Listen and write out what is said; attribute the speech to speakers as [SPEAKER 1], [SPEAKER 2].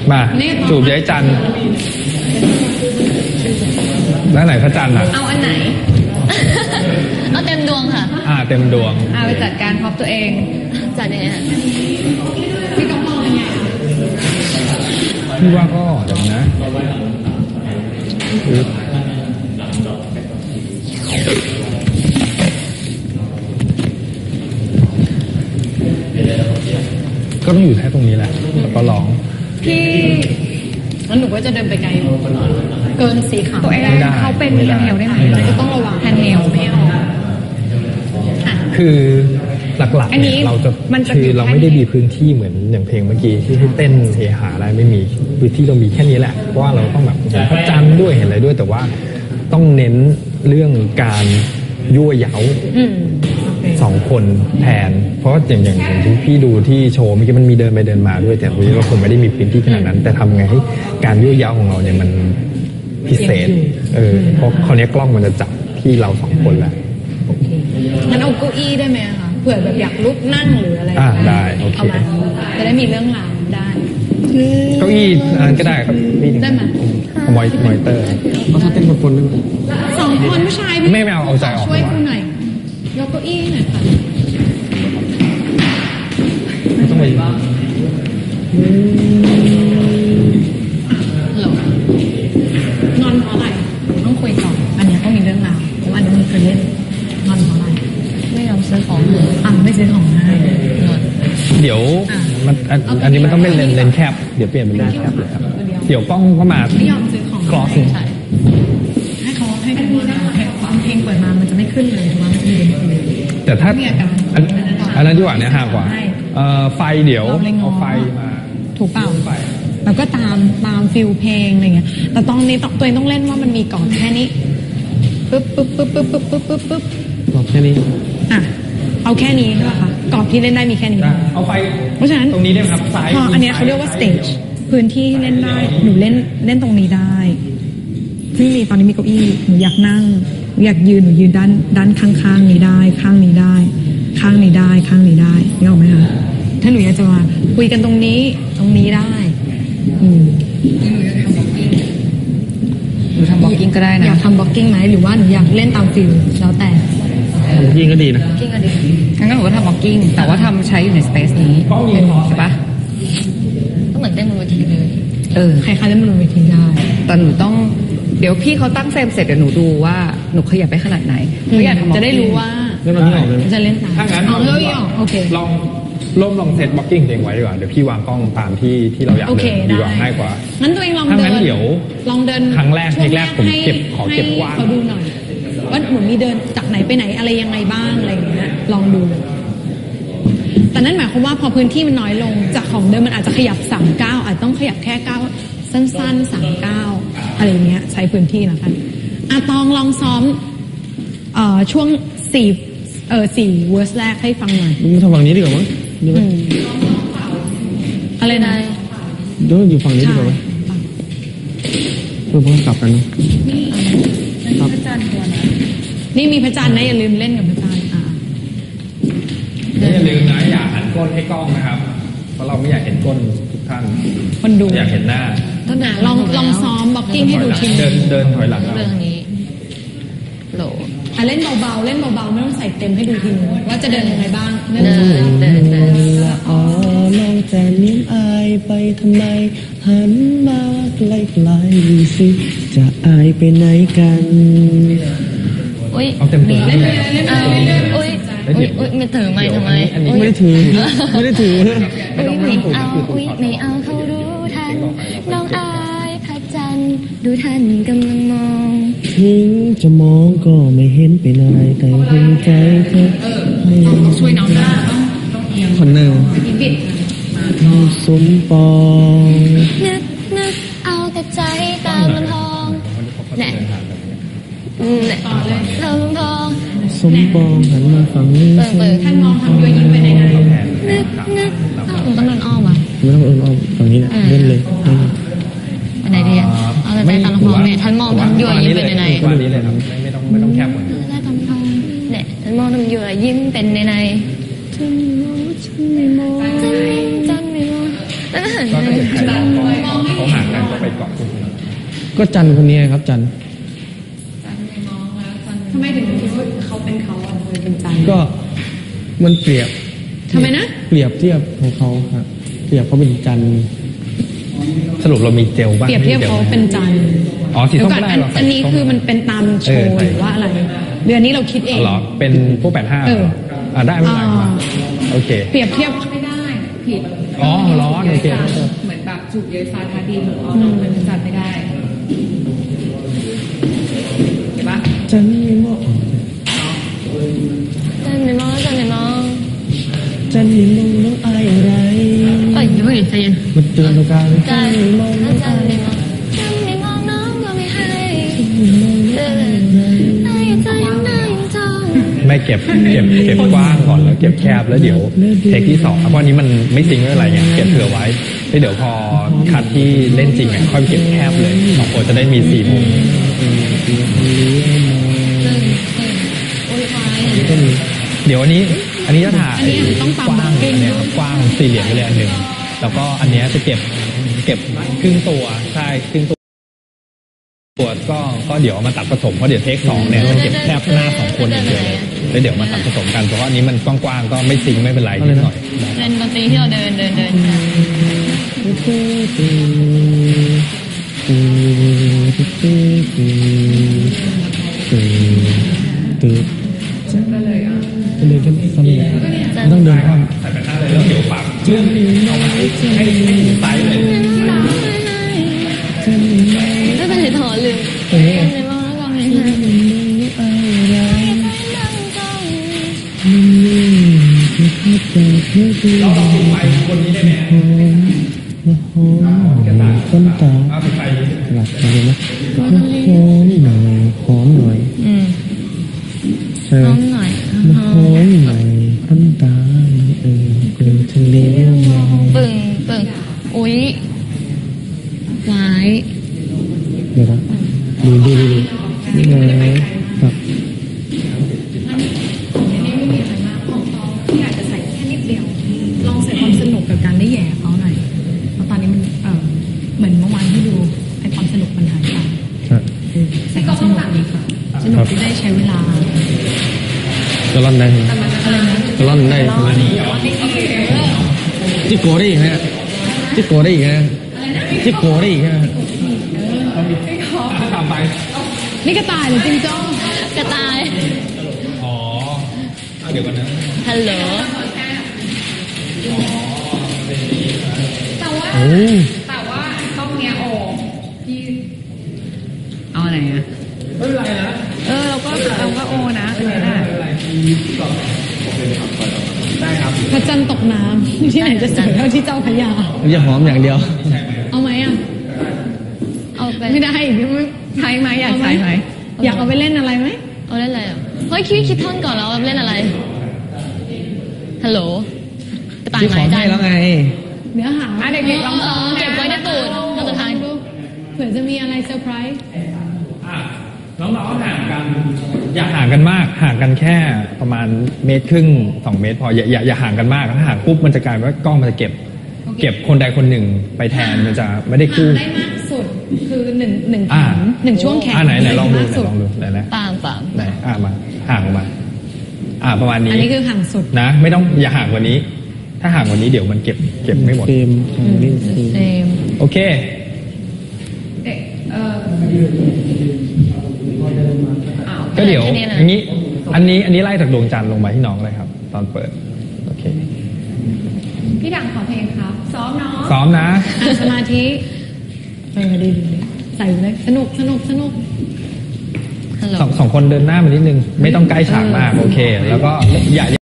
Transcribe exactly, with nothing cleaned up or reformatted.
[SPEAKER 1] มาจูบย้ายจันแล้วไหนพระจันทร์อ่ะ
[SPEAKER 2] เอาอันไหน เอาเต็มดวงค่ะ
[SPEAKER 1] อ่าเต็มดวง
[SPEAKER 2] เอาไปจัดการพร็อพตัวเองจัดยังไงฮะพี่ต้องมองยังไง
[SPEAKER 1] พี่ว่าก็เดี๋ยวนะก็ต้องอยู่แค่ตรงนี้แหละแล้วก็ร้อง
[SPEAKER 2] พี่งั้นหนูก็จะเดินไปไกลเกินสีขาวตัวเองเขาเป็นแพนเนลได้ไหมก็ต้องระวังแพนเนลไม่เอา
[SPEAKER 1] คือหลักๆเนี่ยเราจะคือเราไม่ได้มีพื้นที่เหมือนอย่างเพลงเมื่อกี้ที่ให้เต้นเฮฮาอะไรไม่มีพื้นที่เรามีแค่นี้แหละเพราะว่าเราต้องแบบเห็นพระจันทร์ด้วยเห็นอะไรด้วยแต่ว่าต้องเน้นเรื่องการยั่วเย้าสองคนแทนเพราะอย่างอย่างที่พี่ดูที่โชว์เมื่อกี้มันมีเดินไปเดินมาด้วยแต่วันนี้เราคงไม่ได้มีพื้นที่ขนาดนั้นแต่ทำไงให้การยั่วเย้าของเราเนี่ยมันพิเศษเออเพราะคราวนี้กล้องมันจะจับที่เราสองคนแหละ
[SPEAKER 2] โอเคงั้นเอาเก้าอี้ได้ไหมคะเผื่อแบบอยากลุกนั่งหรืออะไร
[SPEAKER 1] อ่าได้โอเค
[SPEAKER 2] จะได้มีเรื่องราวได้
[SPEAKER 1] เก้าอี้อันก็ได้ครับ
[SPEAKER 2] ได้ไหม
[SPEAKER 1] มอยมอยเตอร์
[SPEAKER 3] เขาถ้าเต้นคนคนนึง
[SPEAKER 2] สองคนผู้ชาย
[SPEAKER 1] ไม่ไม่เอาเอาใจออก
[SPEAKER 2] ช่วยคุณหน่อยยกเก้าอี้หน่อยค่ะ
[SPEAKER 1] ไม่ต้องไปหรอน
[SPEAKER 2] อนเพราะอะไรต้องคุยก่อนอันนี้ต้องมีเรื่องราวเพราะอันนี้มันเคยเล่นนอนเพราะอะไรไม่ยอมซื้อของอ่ะไม่ซื้อของให้
[SPEAKER 1] เดี๋ยวมันอันนี้มันต้องเป็นเลนเลนแคปเดี๋ยวเปลี่ยนเป็นเลนแคปเลยครับเดี๋ยวกล้องก็มา
[SPEAKER 2] ไม่ยอมซื้อของ
[SPEAKER 1] กรอส
[SPEAKER 2] ให้เขาให้กันฟังเพลงเปิดมามันจะไม่ขึ้นเลยถูกไหมมันจะมี
[SPEAKER 1] แต่ถ้าอันนั้นดีกว่าเนี่ยห่างกว่าไฟเดี๋ยวเอาไฟมา
[SPEAKER 2] ถูกเปล่าแล้วก็ตามตามฟิลเพลงอะไรเงี้ยแต่ตอนนี้ตัวเองต้องเล่นว่ามันมีก่อนแค่นี้ปึ๊บปึ๊บปึ๊บปึ๊บปึ๊บปึ๊บปึ๊บปึ๊บ
[SPEAKER 3] ก่อนแค่นี้
[SPEAKER 2] อ่ะเอาแค่นี้ใช่ป่ะคะกรอบที่เล่นได้มีแค่นี้
[SPEAKER 1] เอาไฟ
[SPEAKER 2] เพราะฉะนั้น
[SPEAKER 1] ตรงนี้ได้ไหมครับซ้าย
[SPEAKER 2] พออันนี้เขาเรียกว่าสเตจพื้นที่เล่นได้หนูเล่นเล่นตรงนี้ได้ที่มีตอนนี้มีเก้าอี้หนูอยากนั่งอยากยืนหนูยืนด้านด้านข้างๆนี้ได้ข้างนี้ได้ข้างนี้ได้ข้างนี้ได้นึกออกไหมคะถ้าหนูอยากจะมาคุยกันตรงนี้ตรงนี้ได้อืมหนูทำบล็อกกิ้งก็ได้นะอยากทำบล็อกกิ้งไหมหรือว่าหนูอยากเล่นตามฟิลแล้วแต่
[SPEAKER 3] บล็อกกิ้งก็ดีนะ
[SPEAKER 2] บล็อกกิ้งก็ดีงั้นหนูก็ทำบล็อกกิ้งแต่ว่าทำใช้อยู่ในสเปซนี้ใช่ปะก็เหมือนเต้นบนเวทีเลยเออใครๆเล่นบนเวทีได้แต่หนูต้องเดี๋ยวพี่เขาตั้งเฟรมเสร็จเดี๋ยวหนูดูว่าหนูขยับไปขนาดไหนเขาอยากจะได้รู้ว่าจะเล่นตาม
[SPEAKER 1] ถ้างั้น
[SPEAKER 2] เอาเลยออกโอเค
[SPEAKER 1] ลองล่มลองเซตบล็อกกิ้งเองไว้ดีกว่าเดี๋ยวพี่วางกล้องตามที่ที่เราอยากเดินดีกว่าง่ายกว่า
[SPEAKER 2] งั้นตัวเองลอง
[SPEAKER 1] เดินถ้างั้นเดี๋ยว
[SPEAKER 2] ลองเดิน
[SPEAKER 1] ครั้งแรกเทคแรกผมเก็บขอเก็บกว้าง
[SPEAKER 2] เขาดูหน่อยว่าหนูมีเดินจากไหนไปไหนอะไรยังไงบ้างอะไรอย่างเงี้ยลองดูแต่นั่นหมายความว่าพอพื้นที่มันน้อยลงจากของเดิมมันอาจจะขยับสามเก้าอาจต้องขยับแค่เก้าสั้นๆสามเก้าอะไรเงี้ยใช้พื้นที่นะคะอะตองลองซ้อมเอ่อช่วงสี่เออสี่เวอร์สแรกให้ฟังหน่อย
[SPEAKER 3] มึงทำฝั่งนี้ดีกว่ามั้งดีไหม
[SPEAKER 2] อะไรนาย
[SPEAKER 3] เดี๋ยวอยู่ฝั่งนี้ดีกว่าไหมเพื่อเพื่อกลับกันนะ
[SPEAKER 2] พระจันทร์ตัวนะนี่มีพระจันทร์นะอย่าลืมเล่นกับพระจันทร์อ่า
[SPEAKER 1] อย่าลืมนะอย่าหันก้นให้กล้องนะครับเพราะเราไม่อยากเห็นก้นทุกท่าน
[SPEAKER 2] คนดู
[SPEAKER 1] อยากเห็นหน้า
[SPEAKER 2] ต้นหนาลองลองซ้อมบล็อกกิ้งให้ดูที
[SPEAKER 1] เดินเดินถอยหลัง
[SPEAKER 2] เรื่องนี้โหลอ่ะเล่นเบาๆเล่นเบาๆไม่ต้องใส่เต็มให้ดูทีนึงว่าจะเดินยังไงบ้างเดินเดินเดิน
[SPEAKER 3] อ๋อมองแต่ลิ้มอายไปทำไมหันมาใกล้ๆดูสิจะอายไปไหนกัน
[SPEAKER 2] อุ้ย
[SPEAKER 1] เอาเต็มตัว
[SPEAKER 2] เล่นเล่นอุ้ยอุ้ยไม่ถือไม่ทำไม
[SPEAKER 3] ไม่ได้ถือไม่ได้ถือ
[SPEAKER 2] อุ้ยไม่เอาอุ้ยไม่เอาเขารู้ทันน้องอายพระจันทร์ดูท่านกำลังมอง
[SPEAKER 3] ถึงจะมองก็ไม่เห็นเป็นอะไรแต่หัวใจเธอ
[SPEAKER 2] ช่วยน้องได้
[SPEAKER 3] คนหนึ่งสมปอง
[SPEAKER 2] นึกนึกเอาแต่ใจตามลำพองแน่แน่ลำพอง
[SPEAKER 3] สมปองหันมาฝั่งนี้
[SPEAKER 2] เปิดท่านมองทำโยยิ้มไปในนั้นนึกนึกต้องเดินอ้อมอ่ะ
[SPEAKER 3] ไม่ต้องเดินอ้อมฝั่งนี้นะเล่นเลย
[SPEAKER 2] อันไหนดีอ่ะเอาแต่ใจตามลำพองเนี่ยท่านมองทำโยยิ้มไปในใน
[SPEAKER 1] วันนี้เลยครับไม่ต้องไม่ต้องแคบหมด
[SPEAKER 2] ได้ตามลำพองเนี่ยท่านมองทำโยยิ้มเป็นในในฉันไม่มองฉันไม่มองฉันไม่มอง
[SPEAKER 1] ก็จะเห็นใครมองเขาห่างกันก็ไปเกาะคนอื่น
[SPEAKER 3] ก็จันคนนี้ครับจัน
[SPEAKER 2] ทำไมถึงคิดว่าเขาเป็นเขาอ่ะทำไมเป็นจัน
[SPEAKER 3] ก็มันเปรียบ
[SPEAKER 2] ทำไมนะ
[SPEAKER 3] เปรียบเทียบของเขาครับเปรียบเขาเป็นจัน
[SPEAKER 1] สรุปเรามีเจลบ้าง
[SPEAKER 2] เปรียบเทียบเขาเป็นจัน
[SPEAKER 1] อ๋อสี
[SPEAKER 2] เดี๋ย
[SPEAKER 1] ส้
[SPEAKER 2] ว
[SPEAKER 1] ม
[SPEAKER 2] ก่อน
[SPEAKER 1] ไม่ได้
[SPEAKER 2] อัน
[SPEAKER 1] หรอก
[SPEAKER 2] อันนี้คือมันเป็นตามโชว์หรือว่าอะไรเดือนนี้เราคิดเอง
[SPEAKER 1] เหรอเป็นพวกแปดห้า
[SPEAKER 2] เออ
[SPEAKER 1] อ่าได้ไม่เป็นไร
[SPEAKER 2] อ่า
[SPEAKER 1] โอเค
[SPEAKER 2] เปรียบเทียบ
[SPEAKER 4] ไม่ได้ผิด
[SPEAKER 1] อ๋อร้อนโอเค
[SPEAKER 4] เหมือนแบบจูบเยยซาทาดินอ๋อมันจัดไม่ได้เห็นปะ
[SPEAKER 3] จันไม่มอง
[SPEAKER 5] จันไม่มองจันไม่มอง
[SPEAKER 3] จันไม่มองน้องอายอะไร
[SPEAKER 5] เอ้ยอย่าเพิ่งใจเย็น
[SPEAKER 3] มาเจอตรงกลางจั
[SPEAKER 5] จั
[SPEAKER 3] น
[SPEAKER 5] น
[SPEAKER 3] ไม่มองน้อง
[SPEAKER 5] จั
[SPEAKER 3] อาน ย
[SPEAKER 5] ไม่มองจันไม่มองน้องก็ไม่ให้
[SPEAKER 3] ไม่มองน้องอายอะไร
[SPEAKER 5] ได้ใจยังได้ยังจ้อง
[SPEAKER 1] ไม่เก็บเก็บเก็บกว้างก่อนแล้วเก็บแคบแล้วเดี๋ยวเทคที่สองเพราะอันนี้มันไม่จริงไม่เป็นไรไงเก็บเผื่อไว้แล้วเดี๋ยวพอคัดที่เล่นจริงอ่ะค่อยเก็บแคบเลยสองคนจะได้มีสี่มุม
[SPEAKER 5] ตึงตึงโอ้ยควาย
[SPEAKER 3] ก็มี
[SPEAKER 1] เดี๋ยวอันนี้อันนี้จะถ่าย
[SPEAKER 2] อันนี้ต้องตาม
[SPEAKER 1] กว้าง
[SPEAKER 2] บล็อกกิ้ง
[SPEAKER 1] เนี่ยครับกว้างสี่เหลี่ยมไปเลยอันหนึ่งแล้วก็อันเนี้ยจะเก็บเก็บครึ่งตัวใช่ครึ่งตัวตัวก็ก็เดี๋ยวเอามาตัดผสมเพราะเดี๋ยวเทคสองเนี่ยมันเก็บแคบหน้าสองคนอย่างเดียวเลยแล้วเดี๋ยวมาตัดผสมกันเพราะว่าอันนี้มันกว้างๆก็ไม่ซิงค์ไม่เป็นไรนิดหน่อย
[SPEAKER 5] เล่นดนตรีที่เราเดินเดินเดินกัน
[SPEAKER 3] ตื่นก็เลยกันสนุกไม่ต้องเดินข้าม
[SPEAKER 1] ใส่ไปหน้าเลยแล้วเดี๋ยวปากเลื่อนเอามาให้ให้ให้ถึงไซส์เลย
[SPEAKER 5] ไม่เป็นไรถอนลืม
[SPEAKER 3] ตรงนี้
[SPEAKER 5] จันไม่มองแล้วก็ไม่ให้ได้ใจยังจ้อง
[SPEAKER 1] เราลองปิดไฟคนนี้ได้ไหม
[SPEAKER 3] ต้นตา
[SPEAKER 1] เอาปิดไฟนี้
[SPEAKER 3] หลับเลยนะหอมหน่อยหอมหน่อย
[SPEAKER 5] อืม
[SPEAKER 3] ใช่
[SPEAKER 5] น้องหน่อย
[SPEAKER 3] มาหอมหน่อยต้นตาเออเกลือทะเลมอง
[SPEAKER 5] ปึ่งปึ่งอุ้ยหวาย
[SPEAKER 3] เดี๋ยวนะดูดูดูนี่ไงครับ
[SPEAKER 2] ที่อาจจะใส่แค่นิดเดียว ลองใส่ความสนุกกับการได้แย่เขาหน่อยเพราะตอนนี้มันเออเหมือนเมื่อวานที่ดูไอความสนุกมันหายไป
[SPEAKER 3] ครับ
[SPEAKER 2] ใส่ความสนุกดีกว่าสนุกที่ได้ใช้เวลา
[SPEAKER 3] จะร่อนได้ไหม
[SPEAKER 2] อะไรนะ
[SPEAKER 3] จะร่อนได้ใช่ไหมจิโกได้อีกฮะจิโกได้อีกฮะจิโกได้อีกฮะ
[SPEAKER 1] ตามไป
[SPEAKER 2] นี่กระต่ายหรือจิงโจ้
[SPEAKER 5] กระต่าย
[SPEAKER 1] อ๋อเอาเดี๋ยวก่อนนะ
[SPEAKER 5] ฮัลโหล
[SPEAKER 4] แต่ว่า
[SPEAKER 3] โอ้
[SPEAKER 4] แต่ว่าต้องเนี้ยโอที่เอาไหนอะ
[SPEAKER 1] ไม่เป็นไรนะ
[SPEAKER 4] เออเราก็เราก็โอนะอันนี้น่ะ
[SPEAKER 1] ได้ครับ
[SPEAKER 2] พระจันทร์ตกน้ำ ที่ไหนจะสวยเท่าที่เจ้าพระยา
[SPEAKER 3] จะหอมอย่างเดียว
[SPEAKER 2] เอาไหมอ่ะ
[SPEAKER 5] เอาไป
[SPEAKER 2] ไม่ได้ไม่
[SPEAKER 4] ใช้ไหมอยากใช้ไหม
[SPEAKER 2] อยากเอาไปเล่นอะไรไหม
[SPEAKER 5] เอาเล่นอะไรอ่ะเฮ้ยคิดคิดท่อนก่อนแล้วว่าเล่นอะไรฮัลโหลกระต่าย
[SPEAKER 3] ที่
[SPEAKER 5] ห
[SPEAKER 3] ขอ
[SPEAKER 5] มายจั
[SPEAKER 3] ให้
[SPEAKER 5] น
[SPEAKER 3] แล้วไง
[SPEAKER 2] เนื้อหา
[SPEAKER 4] อ่ะเด็กๆลอง
[SPEAKER 5] เออเก็บไว้ในตูดเราจะทาน
[SPEAKER 2] เผื่อจะมีอะไรเซอร์ไพรส์
[SPEAKER 1] อ่ะน้องๆห่างกัน อย่าห่างกันมากห่างกันแค่ประมาณเมตรครึ่งสองเมตรพออย่าอย่าอย่าห่างกันมากถ้าห่างปุ๊บมันจะกลายเป็นว่ากล้องมันจะเก็บ เก็บคนใดคนหนึ่งไปแทนมันจะไม่ได้คู่
[SPEAKER 2] ได้มากสุดคือหนึ่งหนึ่งแข
[SPEAKER 1] อ่าน
[SPEAKER 2] หนึ่งช่วงแขน
[SPEAKER 1] อ่าไหนไหนลองดู
[SPEAKER 2] มาก
[SPEAKER 1] ไหน
[SPEAKER 2] สุด
[SPEAKER 1] ลองดูไหนนะ
[SPEAKER 5] ปามปาม
[SPEAKER 1] ไหนอ่ามาห่างออกมา อ่าประมาณนี้
[SPEAKER 2] อันนี้คือห่างสุด
[SPEAKER 1] นะ ไม่ต้องอย่าห่างกว่านี้ ถ้าห่างกว่านี้เดี๋ยวมันเก็บเก็บไม่หมด
[SPEAKER 3] เฟรมของนี่เฟรม
[SPEAKER 5] เซม
[SPEAKER 1] โอเค
[SPEAKER 4] เด็กเออ
[SPEAKER 1] ก็เดี๋ยวอย่างนี้ อันนี้อันนี้ไล่จากดวงจันทร์ลงมาที่น้องเลยครับ ตอนเปิด โอเค
[SPEAKER 4] พี่ดังขอเพลงครับ ซ้อมเนาะ
[SPEAKER 1] ซ้อมนะ
[SPEAKER 2] อ่ะสมาธิเออดีดีใส่ไปเลยสนุกสนุกสนุก
[SPEAKER 5] ฮัลโหล
[SPEAKER 1] สองสองคนเดินหน้ามานิดนึง ไม่ต้องใกล้ฉากมาก โอเค แล้วก็อย่า